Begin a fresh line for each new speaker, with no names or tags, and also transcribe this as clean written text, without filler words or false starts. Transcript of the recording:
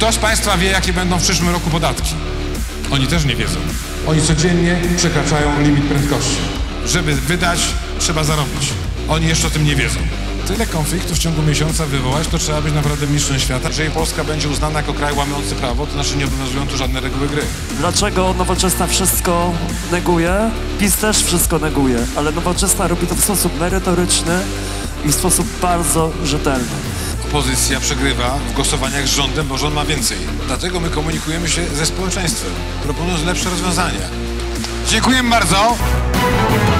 Kto z Państwa wie, jakie będą w przyszłym roku podatki? Oni też nie wiedzą.
Oni codziennie przekraczają limit prędkości.
Żeby wydać, trzeba zarobić. Oni jeszcze o tym nie wiedzą. Tyle konfliktów w ciągu miesiąca wywołać, to trzeba być naprawdę mistrzem świata. Jeżeli Polska będzie uznana jako kraj łamiący prawo, to znaczy nie obowiązują tu żadne reguły gry.
Dlaczego Nowoczesna wszystko neguje? PiS też wszystko neguje, ale Nowoczesna robi to w sposób merytoryczny i w sposób bardzo rzetelny.
Opozycja przegrywa w głosowaniach z rządem, bo rząd ma więcej. Dlatego my komunikujemy się ze społeczeństwem, proponując lepsze rozwiązania. Dziękujemy bardzo.